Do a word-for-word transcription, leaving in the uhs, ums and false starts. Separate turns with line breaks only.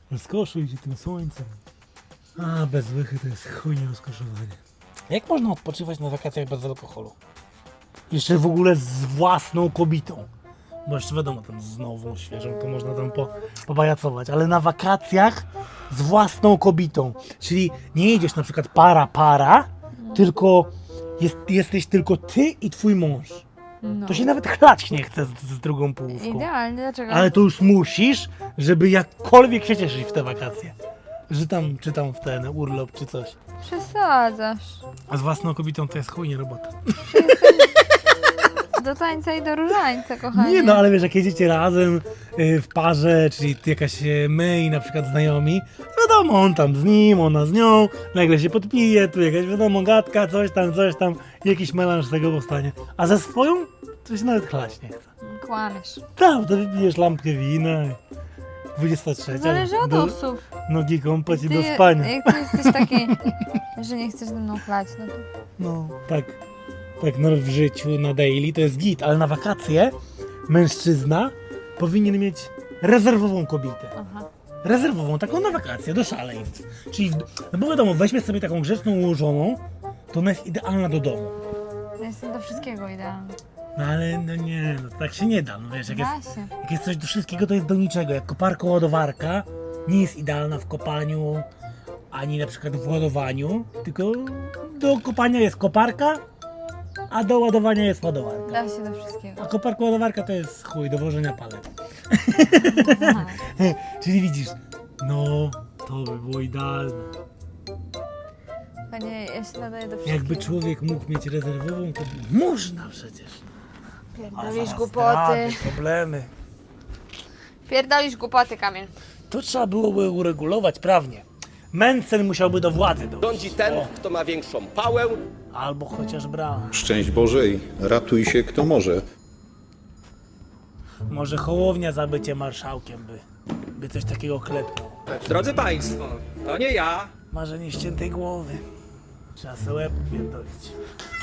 Rozkoszuj się tym słońcem. A, bez łychy to jest chujnie rozkoszowanie. Jak można odpoczywać na wakacjach bez alkoholu? Jeszcze w ogóle z własną kobietą. Bo jeszcze wiadomo, tam z nową, świeżą, to można tam po, pobajacować. Ale na wakacjach z własną kobietą. Czyli nie jedziesz na przykład para, para, tylko jest, jesteś tylko ty i twój mąż.
No.
To się nawet chlać nie chce z, z drugą połówką.
Idealnie, dlaczego?
Ale to już musisz, żeby jakkolwiek się cieszyć w te wakacje. Że tam, czy tam w ten urlop, czy coś.
Przesadzasz.
A z własną kobietą to jest chujnie robota.
Do tańca i do różańca, kochanie.
Nie no, ale wiesz, jak jedziecie razem y, w parze, czyli jakaś y, my i na przykład znajomi, wiadomo, on tam z nim, ona z nią, nagle się podpije, tu jakaś wiadomo gadka, coś tam, coś tam, jakiś melanż z tego powstanie. A ze swoją to się nawet chlać nie chce.
Kłamiesz.
Tam, to wypijesz lampkę wina i dwudziesta trzecia.
Zależy od
do,
osób.
Nogi kąpać i
Ty,
do spania.
Jak ty jesteś taki, że nie chcesz ze mną chlać, no to...
No, tak. Tak, no w życiu na daily to jest git, ale na wakacje mężczyzna powinien mieć rezerwową kobietę.
Aha.
Rezerwową, taką na wakacje, do szaleństw. Czyli, w, no bo wiadomo, weźmy sobie taką grzeczną ułożoną, to ona jest idealna do domu.
Ja jestem do wszystkiego idealna.
No ale no nie, no tak się nie da, no wiesz, jak jest,
Da się.
jak jest coś do wszystkiego, to jest do niczego. Jak koparka ładowarka nie jest idealna w kopaniu, ani na przykład w ładowaniu, tylko do kopania jest koparka, a do ładowania jest ładowarka.
Da się do wszystkiego.
A koparka ładowarka to jest chuj do włożenia palet.
Aha.
Czyli widzisz, no to by było idealne.
Panie, ja się nadaję do wszystkiego.
Jakby człowiek mógł mieć rezerwową, to można przecież. A
Pierdolisz
zaraz
głupoty.
zdrady, problemy.
Pierdolisz głupoty, Kamil.
To trzeba byłoby uregulować prawnie. Mencen musiałby do władzy dojść.
Rządzi ten,
O,
kto ma większą pałę.
albo chociaż brał.
Szczęść Boże i ratuj się kto może.
Może Hołownia za bycie marszałkiem by, by coś takiego klepnął.
Drodzy Państwo, to nie ja.
Marzenie ściętej głowy. Trzeba sobie łeb pierdolić.